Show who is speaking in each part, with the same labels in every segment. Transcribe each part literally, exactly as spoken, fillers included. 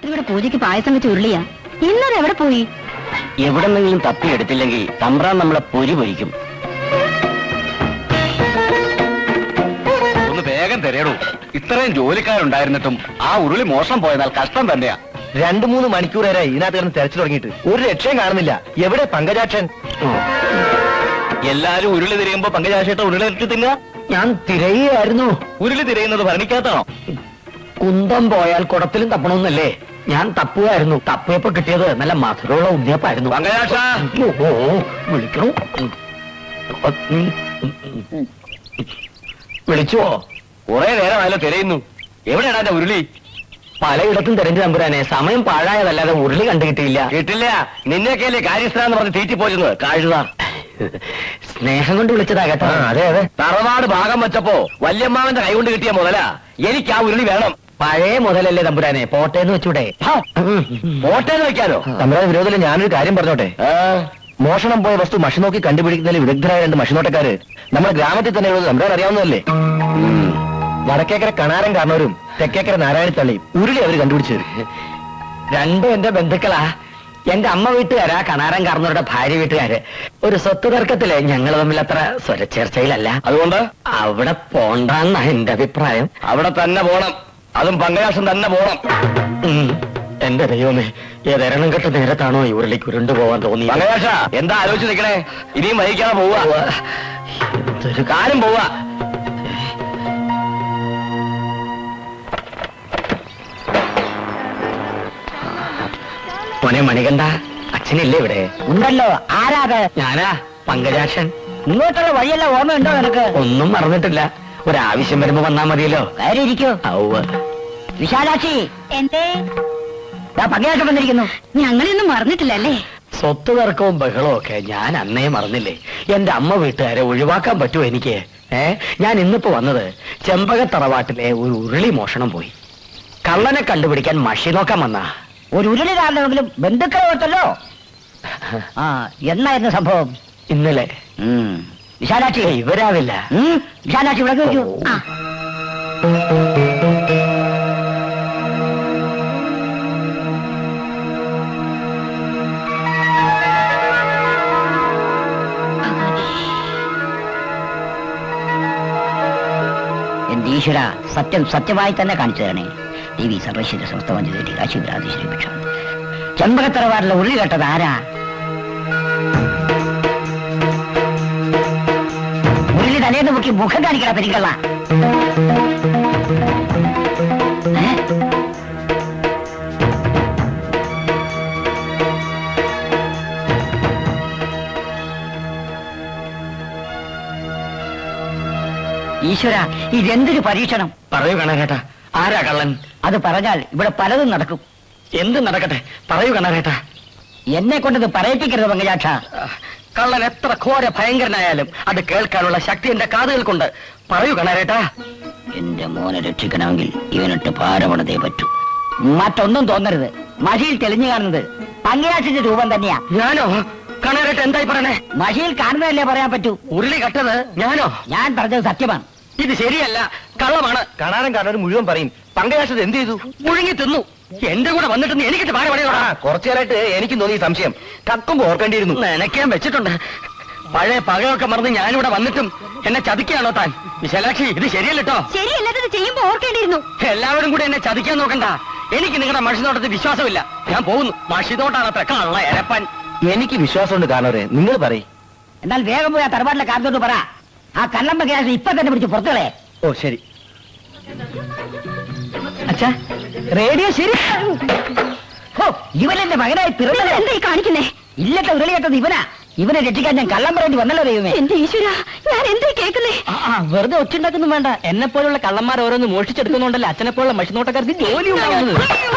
Speaker 1: രാത്രി ഇവിടെ പൂജയ്ക്ക് പായസം വെച്ച് ഉരുളിയാ. ഇന്നത് എവിടെ പോയി?
Speaker 2: എവിടെന്നെങ്കിലും തപ്പി എടുത്തില്ലെങ്കിൽ തമ്പ്രാൻ നമ്മളെ പൊരി പൊരിക്കും.
Speaker 3: ഒന്ന് വേഗം തരേടൂ. ഇത്രയും ജോലിക്കാരുണ്ടായിരുന്നിട്ടും ആ ഉരുളി മോഷണം പോയതാൽ കഷ്ടം തന്നെയാ.
Speaker 2: രണ്ടു മൂന്ന് മണിക്കൂർ വരെ ഇതിനകത്ത് കിടന്ന് തെരച്ചു തുടങ്ങിയിട്ട് ഒരു രക്ഷയും കാണുന്നില്ല. എവിടെ പങ്കജാക്ഷൻ?
Speaker 3: എല്ലാരും ഉരുളി തിരയുമ്പോ പങ്കജാക്ഷേട്ട ഉരുളി ഇട്ട് തിന്ന.
Speaker 2: ഞാൻ തിരയുകയായിരുന്നു.
Speaker 3: ഉരുളി തിരയുന്നത് ഭരണിക്കകത്താണോ?
Speaker 2: കുന്തം പോയാൽ കുടത്തിലും തപ്പണമെന്നല്ലേ? ഞാൻ തപ്പുകയായിരുന്നു. തപ്പിയപ്പോ കിട്ടിയത് നല്ല മധുരമുള്ള ഉണ്ണിയപ്പായിരുന്നു.
Speaker 3: പങ്കജാക്ഷ
Speaker 2: വിളിക്കണോ? വിളിച്ചുവോ?
Speaker 3: കുറെ നേരമായാലും തിരയുന്നു. എവിടെയാണ് എന്റെ ഉരുളി?
Speaker 2: പലയിടത്തും തെരഞ്ഞു തമ്പുരാനെ. സമയം പാഴായതല്ലാതെ ഉരുളി കണ്ടു കിട്ടിയില്ല.
Speaker 3: കിട്ടില്ല. നിന്നെയൊക്കെയല്ലേ കാര്യസ്ഥനാന്ന് പറഞ്ഞ് തീറ്റി പോയിരുന്നത്. കാഴുക
Speaker 2: സ്നേഹം കൊണ്ട് വിളിച്ചതാ കേട്ടോ.
Speaker 3: അതെ അതെ. തറവാട് ഭാഗം വെച്ചപ്പോ വല്യമ്മാവന്റെ കൈ കൊണ്ട് കിട്ടിയ മുതലാ. എനിക്ക് ആ ഉരുളി വേണം.
Speaker 2: പഴയ മുതലല്ലേ തമ്പുരാനെ? പോട്ടേന്ന് വെച്ചൂടെ?
Speaker 3: പോട്ടേന്ന് വെക്കാനോ?
Speaker 2: തമ്പുരാൻ വിരോധത്തിൽ ഞാനൊരു കാര്യം പറഞ്ഞോട്ടെ. മോഷണം പോയ വസ്തു മഷി നോക്കി കണ്ടുപിടിക്കുന്നതിൽ വിദഗ്ധരായ രണ്ട് മഷിനോട്ടക്കാര് നമ്മുടെ ഗ്രാമത്തിൽ തന്നെ ഉള്ളത് തമ്പുരാൻ അറിയാവുന്നതല്ലേ? വടക്കേക്കര കണാരൻ കാരണവരും തെക്കേക്കര നാരായണത്തള്ളിയും ഉരുളി അവര് കണ്ടുപിടിച്ചു. രണ്ടും എന്റെ ബന്ധുക്കളാ. എന്റെ അമ്മ വീട്ടുകാരാ കണാരൻ കാരണവരുടെ ഭാര്യ വീട്ടുകാര്. ഒരു സ്വത്ത് തർക്കത്തില് ഞങ്ങൾ തമ്മിൽ അത്ര സ്വരച്ചേർച്ചയിലല്ല.
Speaker 3: അതുകൊണ്ട്
Speaker 2: അവിടെ പോണ്ടെന്നാ എന്റെ അഭിപ്രായം.
Speaker 3: അവിടെ തന്നെ പോണം. അതും പങ്കജാക്ഷൻ തന്നെ പോണം.
Speaker 2: എന്റെ ദൈവമേ, ഏതെരണം കെട്ട നേരത്താണോ ഈ ഉരുളിക്ക് ഉരുണ്ടു പോവാൻ തോന്നി?
Speaker 3: പങ്കജാക്ഷ എന്താ ആലോചിച്ച് നിൽക്കണേ? ഇനിയും വഹിക്കാതെ പോവുക.
Speaker 2: എന്തൊരു
Speaker 3: കാര്യം പോവുക.
Speaker 2: മോനെ മണികണ്ഠ, അച്ഛനില്ലേ ഇവിടെ?
Speaker 1: ഉണ്ടല്ലോ. ആരാത്?
Speaker 2: ഞാനാ പങ്കജാക്ഷൻ.
Speaker 1: ഇങ്ങോട്ടുള്ള വഴിയല്ല ഓർമ്മയുണ്ടോ നിനക്ക്?
Speaker 2: ഒന്നും മറന്നിട്ടില്ല. ഒരാവശ്യം വരുമ്പോ വന്നാ മതിയല്ലോ.
Speaker 1: കാര്യം ഇരിക്കോ. വിശാലാക്ഷി, എന്തേ? പങ്കജാക്ഷൻ വന്നിരിക്കുന്നു. ഞങ്ങളൊന്നും മറന്നിട്ടില്ലല്ലേ?
Speaker 2: സ്വത്ത് തർക്കവും ബഹളവും ഒക്കെ ഞാൻ അന്നേ മറന്നില്ലേ? എന്റെ അമ്മ വീട്ടുകാരെ ഒഴിവാക്കാൻ പറ്റുമോ എനിക്ക്? ഏ ഞാൻ ഇന്നിപ്പോ വന്നത് ചെമ്പകത്തറവാട്ടിലെ ഒരു ഉരുളി മോഷണം പോയി. കള്ളനെ കണ്ടുപിടിക്കാൻ മഷി നോക്കാൻ വന്നാ.
Speaker 1: ഒരു ഉരുളി കാരണമെങ്കിലും ബന്ധുക്കളെ ഓർത്തല്ലോ. ആ എന്നായിരുന്നു സംഭവം?
Speaker 2: ഇന്നലെ.
Speaker 1: വിശാലാക്ഷി
Speaker 2: ഇവരാവില്ല.
Speaker 1: വിശാലാക്ഷി ഇവിടെ ചോദിക്കൂ. എന്റെ ഈശ്വര, സത്യം സത്യമായി തന്നെ കാണിച്ചു തരണേ. ദേവി സർവൈശ്വര്യ സമസ്തവഞ്ചി കാശിപുരാധീശ്വരി ഭിക്ഷ. ചെമ്പകത്തറവാടിലെ ഉരുളി കേട്ടത് ആരാ? ഉരുളി തലേന്ന് മുക്കി മുഖം കാണിക്കണ പെരിക്കള്ള. ഈശ്വര, ഇതെന്തൊരു പരീക്ഷണം!
Speaker 2: പറയൂ കണാരേട്ടാ, ആരാ കള്ളൻ?
Speaker 1: അത് പറഞ്ഞാൽ ഇവിടെ പലതും നടക്കും.
Speaker 2: എന്ത് നടക്കട്ടെ, പറയൂ കണാരേട്ടാ.
Speaker 1: എന്നെ കൊണ്ടത് പറയിപ്പിക്കരുത് പങ്കജാക്ഷ.
Speaker 2: കള്ളൻ എത്ര ഘോര ഭയങ്കരനായാലും അത് കേൾക്കാനുള്ള ശക്തി എന്റെ കാതുകൾക്കുണ്ട്. പറയൂ കണാരേട്ടാ.
Speaker 1: എന്റെ മോനെ രക്ഷിക്കണമെങ്കിൽ ഇവനിട്ട് പാരപണതേ പറ്റൂ. മറ്റൊന്നും തോന്നരുത്. മഷിയിൽ തെളിഞ്ഞു കാണുന്നത് പങ്കജാക്ഷന്റെ രൂപം തന്നെയാ.
Speaker 2: ഞാനോ? കണാരേട്ട എന്തായി പറയണേ?
Speaker 1: മഷിയിൽ കാണുന്നതല്ലേ പറയാൻ പറ്റൂ.
Speaker 2: ഉരുളി കട്ടത് ഞാനോ?
Speaker 1: ഞാൻ പറഞ്ഞത് സത്യമാണ്.
Speaker 2: ഇത് ശരിയല്ല, കള്ളമാണ്. കണാരൻ കാണാൻ മുഴുവൻ പറയും. പങ്കജാക്ഷത് എന്ത് ചെയ്തു? മുഴുങ്ങി തിന്നു. എന്റെ കൂടെ വന്നിട്ട് എനിക്കിട്ട് പാര പണിയോ? കുറച്ചു നേരമായിട്ട് എനിക്കും തോന്നി സംശയം. കക്കുമ്പോ ഓർക്കേണ്ടിയിരുന്നു. നനയ്ക്കാൻ വെച്ചിട്ടുണ്ട്. പഴയ പകയൊക്കെ മറന്ന് ഞാനിവിടെ വന്നിട്ടും എന്നെ ചതിക്കുകയാണോ താൻ? വിശാലാക്ഷി, ഇത് ശരിയല്ലോ.
Speaker 1: ശരിയല്ലാത്തത് ചെയ്യുമ്പോ ഓർക്കേണ്ടിയിരുന്നു.
Speaker 2: എല്ലാവരും കൂടെ എന്നെ ചതിക്കാൻ നോക്കണ്ട. എനിക്ക് നിങ്ങളുടെ മഷിനോട്ടത്തിൽ വിശ്വാസമില്ല. ഞാൻ പോകുന്നു. മഷിനോട്ടാണ് അത്ര കള്ള എരപ്പൻ. എനിക്ക് വിശ്വാസമുണ്ട് കാരണവരെ, നിങ്ങൾ പറയും.
Speaker 1: എന്നാൽ വേഗം പോയി ആ തറവാട്ടിലെ കാരണത്തോട് പറ. ആ കള്ളം പങ്കജാക്ഷൻ ഇപ്പൊ തന്നെ പിടിച്ച് പുറത്തുകളെ.
Speaker 2: ഓ ശരി. അച്ഛാ, റേഡിയോ ശരി.
Speaker 1: ഇവനെന്റെ മകനായി പിറന്നത് എന്തായി കാണിക്കുന്നേ? ഇല്ലത്തെ ഉരുളി കേട്ടത് ഇവനാ. ഇവനെ രക്ഷിക്കാൻ ഞാൻ കള്ളം പറയേണ്ടി വന്നല്ലോ ദൈവമേ. എന്റെ ഈശ്വര, ഞാൻ എന്തായി കേൾക്കുന്നേ?
Speaker 2: വെറുതെ ഒച്ചുണ്ടാക്കുന്നു വേണ്ട. എന്നെ പോലുള്ള കള്ളന്മാർ ഓരോന്ന് മോഷിച്ചെടുക്കുന്നുണ്ടല്ലോ അച്ഛനെ പോലുള്ള മഷിനോട്ടക്കാർക്ക് ജോലി ഉണ്ടാവുന്നത്.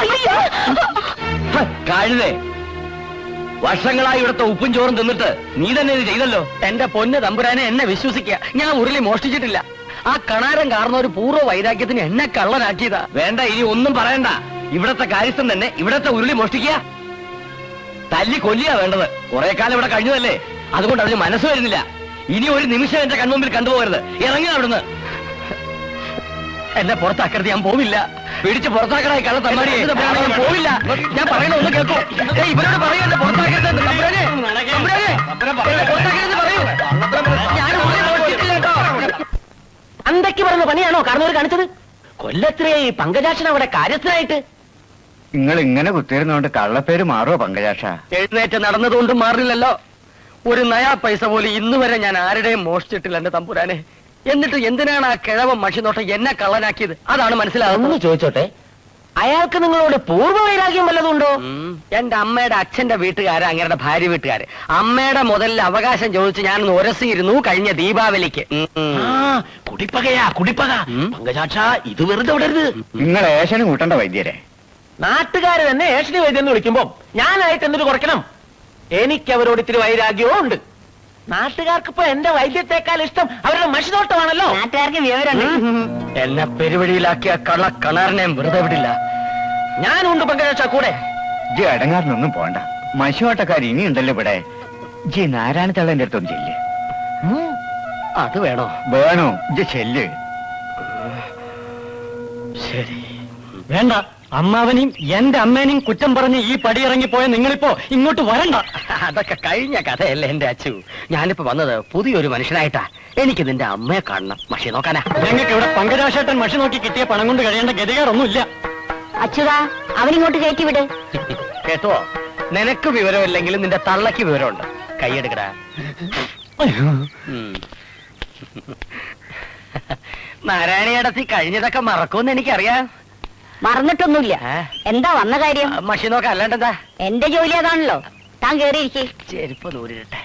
Speaker 3: കഴുതേ, വർഷങ്ങളായി ഇവിടുത്തെ ഉപ്പും ചോറും തിന്നിട്ട് നീ തന്നെ ഇത് ചെയ്തല്ലോ.
Speaker 2: എന്റെ പൊന്ന് തമ്പുരാനെ, എന്നെ വിശ്വസിക്കുക. ഞാൻ ഉരുളി മോഷ്ടിച്ചിട്ടില്ല. ആ കണാരൻ കാരണ ഒരു പൂർവ്വ വൈരാഗ്യത്തിന് എന്നെ കള്ളനാക്കിയതാ.
Speaker 3: വേണ്ട, ഇനി ഒന്നും പറയണ്ട. ഇവിടത്തെ കാര്യസ്ഥൻ തന്നെ ഇവിടത്തെ ഉരുളി മോഷ്ടിക്കുക. തല്ലി കൊല്ലിയാ വേണ്ടത്. കുറെ കാലം ഇവിടെ കഴിഞ്ഞതല്ലേ, അതുകൊണ്ട് അതിന് മനസ്സ് വരുന്നില്ല. ഇനി ഒരു നിമിഷം എന്റെ കൺമുമ്പിൽ കണ്ടുപോകരുത്. ഇറങ്ങി അവിടുന്ന്.
Speaker 2: എന്നെ പുറത്താക്കരുത്, ഞാൻ പോവില്ല.
Speaker 3: പിടിച്ച് പുറത്താക്കണേ കള്ള തമ്മാടി. ഞാൻ പോവില്ല. ഞാൻ പറയണ ഒന്ന് കേൾക്കൂ. ഏയ്, ഇവരോട് പറയൂ എന്നെ പുറത്താക്കരുത്. തമ്പുരാനെ, തമ്പുരാനെ, എന്നെ പുറത്താക്കരുതെന്ന് പറയൂ. ഞാൻ ഉള്ളി മോഷ്ടിച്ചിട്ടില്ല കേട്ടോ.
Speaker 2: അന്തയ്ക്ക് പറഞ്ഞ പണിയാണോ കാരണവർ കാണിച്ചത്? കൊല്ലത്തിലെ ഈ പങ്കജാക്ഷൻ അവിടെ കാര്യസ്ഥനായിട്ട്.
Speaker 4: നിങ്ങൾ ഇങ്ങനെ കുത്തിയിരുന്നോണ്ട് കള്ളപ്പേര് മാറുമോ പങ്കജാക്ഷ?
Speaker 3: എഴുന്നേറ്റ് നടന്നതുകൊണ്ടും മാറില്ലല്ലോ. ഒരു നയാ പൈസ പോലും ഇന്ന് വരെ ഞാൻ ആരുടെയും മോഷ്ടിച്ചിട്ടില്ല എന്റെ തമ്പുരാനെ. എന്നിട്ട് എന്തിനാണ് ആ കിഴവൻ മഷിനോട്ടം എന്നെ കള്ളനാക്കിയത്? അതാണ്
Speaker 2: ഒന്ന്
Speaker 3: മനസ്സിലാകുന്നത്.
Speaker 2: ചോദിച്ചോട്ടെ, അയാൾക്ക് നിങ്ങളോട് പൂർവ്വ വൈരാഗ്യം വല്ലതുണ്ടോ?
Speaker 3: ഉം. എന്റെ അമ്മയുടെ അച്ഛന്റെ വീട്ടുകാര് അങ്ങയുടെ ഭാര്യ വീട്ടുകാര് അമ്മയുടെ മുതലിൽ അവകാശം ചോദിച്ച് ഞാൻ ഉരസിയിരുന്നു കഴിഞ്ഞ ദീപാവലിക്ക്. ഉം, ഉം.
Speaker 2: കുടിപ്പകയാ കുടിപ്പക.
Speaker 3: ഉം.
Speaker 2: പങ്കജാക്ഷ, ഇത് വെറുതെ വിടരുത്.
Speaker 4: നിങ്ങൾ ഏശന് കൂട്ടണ്ട വൈദ്യരെ.
Speaker 2: നാട്ടുകാര് തന്നെ ഏഷണി വൈദ്യം എന്ന് വിളിക്കുമ്പോ ഞാനായിട്ട് എന്തിനു കുറയ്ക്കണം? എനിക്ക് അവരോട് ഇത്തിരി വൈരാഗ്യവും ഉണ്ട്. നാട്ടുകാർക്ക് ഇപ്പൊ എന്റെ വൈദ്യത്തെക്കാൾ ഇഷ്ടം അവരുടെ മഷിനോട്ടമാണല്ലോ.
Speaker 1: നാട്ടുകാർക്ക് വിവരമുണ്ട്.
Speaker 3: എന്നെ പെരുവഴിയിലാക്കിയ കള്ള കണാറിനെ വെറുതെ വിടില്ല.
Speaker 2: ഞാനുണ്ട് പങ്കജാക്ഷ കൂടെ.
Speaker 4: ജി അടങ്ങാറിനൊന്നും പോണ്ട. മശുവാട്ടക്കാർ ഇനിയുണ്ടല്ലോ ഇവിടെ. ജി നാരായണ തള്ളന്റെ അടുത്തൊന്നും ചെല്ല്.
Speaker 3: അത് വേണോ?
Speaker 4: വേണോ? ജി ചെല്ല്.
Speaker 3: ശരി.
Speaker 5: വേണ്ട, അമ്മാവനെയും എന്റെ അമ്മേനെയും കുറ്റം പറഞ്ഞ് ഈ പടിയിറങ്ങിപ്പോയ നിങ്ങളിപ്പോ ഇങ്ങോട്ട് വരണ്ട.
Speaker 3: അതൊക്കെ കഴിഞ്ഞ കഥയല്ലേ എന്റെ അച്ചു. ഞാനിപ്പോ വന്നത് പുതിയൊരു മനുഷ്യനായിട്ടാ. എനിക്ക് നിന്റെ അമ്മയെ കാണണം. മഷി നോക്കാനാ.
Speaker 5: ഞങ്ങൾക്ക് ഇവിടെ പങ്കജാശേട്ടൻ മഷി നോക്കി കിട്ടിയ പണം കൊണ്ട് കഴിയേണ്ട ഗതികേറൊന്നുമില്ല.
Speaker 1: അച്യുതാ, അവനിങ്ങോട്ട് കയറ്റി വിട്.
Speaker 3: കേട്ടോ, നിനക്ക് വിവരമില്ലെങ്കിലും നിന്റെ തള്ളക്ക് വിവരമുണ്ട്. കൈയെടുക്കടാ. ഉം. നാരായണിയടത്തി കഴിഞ്ഞതൊക്കെ മറക്കുമെന്ന് എനിക്കറിയാം.
Speaker 1: മറന്നിട്ടൊന്നുമില്ല.
Speaker 3: ഏ?
Speaker 1: എന്താ വന്ന കാര്യം?
Speaker 3: ആ, മഷി നോക്കാം, അല്ലാണ്ടെന്താ.
Speaker 1: എന്റെ ജോലി അതാണല്ലോ. താൻ കേറിയിരിക്കേ.
Speaker 3: ചെരുപ്പ് നൂരിട്ടെ.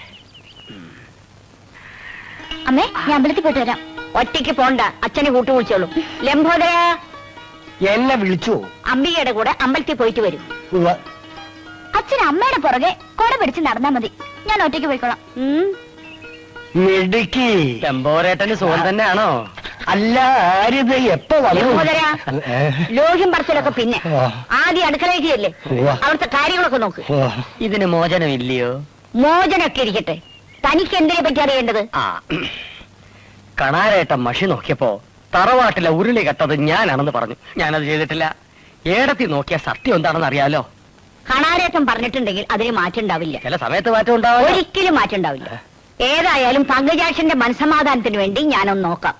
Speaker 1: അമ്മേ, ഞാൻ അമ്പലത്തിൽ പോയിട്ട് വരാം. ഒറ്റയ്ക്ക് പോണ്ട, അച്ഛനെ കൂട്ടു വിളിച്ചോളൂ. ലംബോദര,
Speaker 2: എന്നെ വിളിച്ചു.
Speaker 1: അംബികയുടെ കൂടെ അമ്പലത്തിൽ പോയിട്ട് വരും. അച്ഛൻ അമ്മയുടെ പുറകെ കൊട പിടിച്ച് നടന്നാ മതി. ഞാൻ ഒറ്റയ്ക്ക് പോയിക്കോളാം. ഉം.
Speaker 2: മിടുക്കി.
Speaker 3: ചെമ്പോരേട്ടന് സുഖം തന്നെയാണോ?
Speaker 2: അല്ല, ആരിത് എപ്പോ വന്നു?
Speaker 1: ലംബോദര, ലോഹ്യം പറച്ചിലൊക്കെ പിന്നെ ആദ്യം അടുക്കളയിലേക്ക് ചെല്ലേ. അവിടുത്തെ കാര്യങ്ങളൊക്കെ നോക്ക്.
Speaker 3: ഇതിന് മോചനം ഇല്ലയോ?
Speaker 1: മോചനൊക്കെ ഇരിക്കട്ടെ, തനിക്ക് എന്തിനെ പറ്റി അറിയേണ്ടത്?
Speaker 3: ആ, കണാരേട്ടൻ മഷി നോക്കിയപ്പോ തറവാട്ടിലെ ഉരുളി കെട്ടത് ഞാനാണെന്ന് പറഞ്ഞു. ഞാനത് ചെയ്തിട്ടില്ല. ഏടത്തി നോക്കിയ സത്യം എന്താണെന്ന് അറിയാലോ.
Speaker 1: കണാരേറ്റം പറഞ്ഞിട്ടുണ്ടെങ്കിൽ അതിന് മാറ്റം ഉണ്ടാവില്ല.
Speaker 3: ചില സമയത്ത് മാറ്റം ഉണ്ടാവും.
Speaker 1: ഒരിക്കലും മാറ്റം ഉണ്ടാവില്ല. ഏതായാലും പങ്കജാക്ഷന്റെ മനസ്സമാധാനത്തിന് വേണ്ടി ഞാനൊന്ന് നോക്കാം.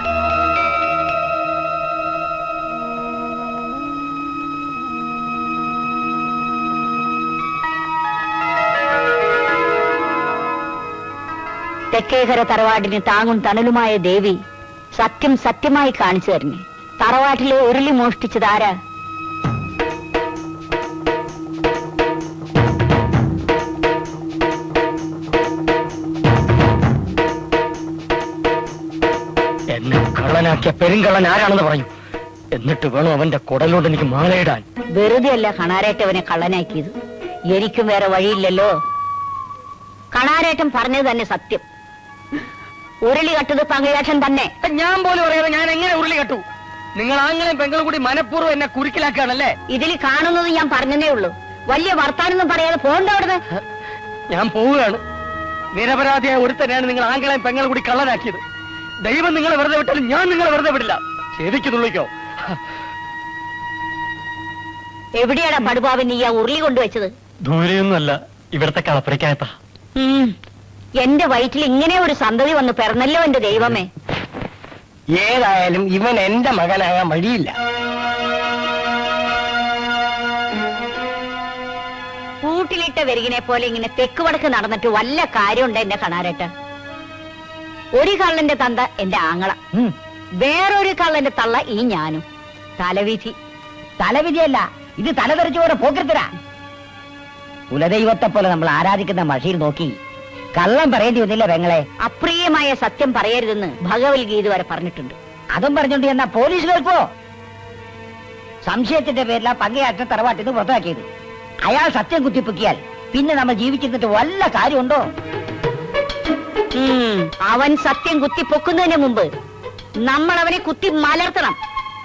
Speaker 1: തെക്കേകര തറവാടിന് താങ്ങും തണലുമായ ദേവി സത്യം സത്യമായി കാണിച്ചു തരുന്നു. തറവാട്ടിലെ ഉരുളി മോഷ്ടിച്ചതാരാ?
Speaker 3: എന്നെ കള്ളനാക്കിയ പെരുങ്കള്ളൻ ആരാണെന്ന് പറഞ്ഞു. എന്നിട്ട് വേണം അവന്റെ കുടലോട് എനിക്ക് മാലയിടാൻ.
Speaker 1: വെറുതെ അല്ല കണാരേറ്റവനെ കള്ളനാക്കിയത്. എനിക്കും വേറെ വഴിയില്ലല്ലോ. കണാരേറ്റം പറഞ്ഞത് തന്നെ സത്യം. ഉരുളി കട്ടത് പങ്കജാക്ഷൻ തന്നെ.
Speaker 3: ഞാൻ പോലും അറിയാതെ ഞാൻ എങ്ങനെ ഉരുളി കെട്ടു? നിങ്ങൾ ആങ്ങളെയും പെങ്ങളും കൂടി മനഃപൂർവ്വം എന്നെ കുരുക്കിലാക്കുകയാണല്ലേ?
Speaker 1: ഇതിൽ കാണുന്നത് ഞാൻ പറഞ്ഞതേ ഉള്ളൂ. വലിയ വർത്താനൊന്നും പറയാതെ പോണ്ട അവിടുന്ന്.
Speaker 3: ഞാൻ പോവുകയാണ്. നിരപരാധിയായ ഒരുത്തനെയാണ് നിങ്ങൾ ആങ്ങളെയും പെങ്ങളും കൂടി കള്ളനാക്കിയത്. ദൈവം നിങ്ങളെ വെറുതെ വിട്ടാലും ഞാൻ നിങ്ങളെ വെറുതെ വിടില്ല. ശരിക്ക് തുള്ളിക്കോ.
Speaker 1: എവിടെയാടാ പടുപാവൻ നീ ആ ഉരുളി കൊണ്ടുവച്ചത്?
Speaker 5: ദൂരെയൊന്നുമല്ല, ഇവിടത്തെ കളപ്പുരയ്ക്കകത്താ.
Speaker 1: ഉം. എന്റെ വയറ്റിൽ ഇങ്ങനെ ഒരു സന്തതി വന്ന് പിറന്നല്ലോ എന്റെ ദൈവമേ.
Speaker 3: ഏതായാലും ഇവൻ എന്റെ മകനാകാൻ വഴിയില്ല.
Speaker 1: കൂട്ടിലിട്ട വെരുകിനെ പോലെ ഇങ്ങനെ തെക്ക് വടക്ക് നടന്നിട്ട് വല്ല കാര്യമുണ്ട് എന്റെ കണാരേട്ട? ഒരു കള്ളന്റെ തന്ത എന്റെ ആങ്ങള, വേറൊരു കള്ളന്റെ തള്ള ഈ ഞാനും. തലവിധി. തലവിധിയല്ല, ഇത് തലതെറിച്ചോടെ പോക്കരുത്തരാ. കുലദൈവത്തെ പോലെ നമ്മൾ ആരാധിക്കുന്ന മഷിയിൽ നോക്കി കള്ളം പറയേണ്ടി വന്നില്ല പെങ്ങളെ. അപ്രിയമായ സത്യം പറയരുതെന്ന് ഭഗവത്ഗീത വരെ പറഞ്ഞിട്ടുണ്ട്. അതും പറഞ്ഞോണ്ട് എന്നാ പോലീസ് കേൾപ്പോ? സംശയത്തിന്റെ പേരിലാ പങ്കയാറ്റ തറവാട്ടിന്ന് പുറത്താക്കിയത്. അയാൾ സത്യം കുത്തിപ്പൊക്കിയാൽ പിന്നെ നമ്മൾ ജീവിച്ചിരുന്നിട്ട് വല്ല കാര്യമുണ്ടോ? അവൻ സത്യം കുത്തിപ്പൊക്കുന്നതിന് മുമ്പ് നമ്മൾ അവനെ കുത്തി മലർത്തണം.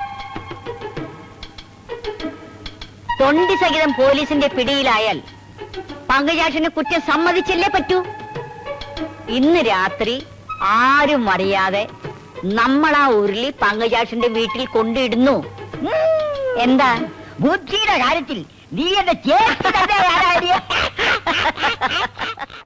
Speaker 1: തൊണ്ടി സഹിതം പോലീസിന്റെ പിടിയിലായാൽ പങ്കജാക്ഷന് കുറ്റം സമ്മതിച്ചല്ലേ പറ്റൂ. ഇന്ന് രാത്രി ആരും അറിയാതെ നമ്മൾ ആ ഉരുളി പങ്കജാക്ഷന്റെ വീട്ടിൽ കൊണ്ടിടുന്നു. എന്താ
Speaker 6: ബുദ്ധിയുടെ കാര്യത്തിൽ നീ എന്റെ ചേച്ചി തന്നെ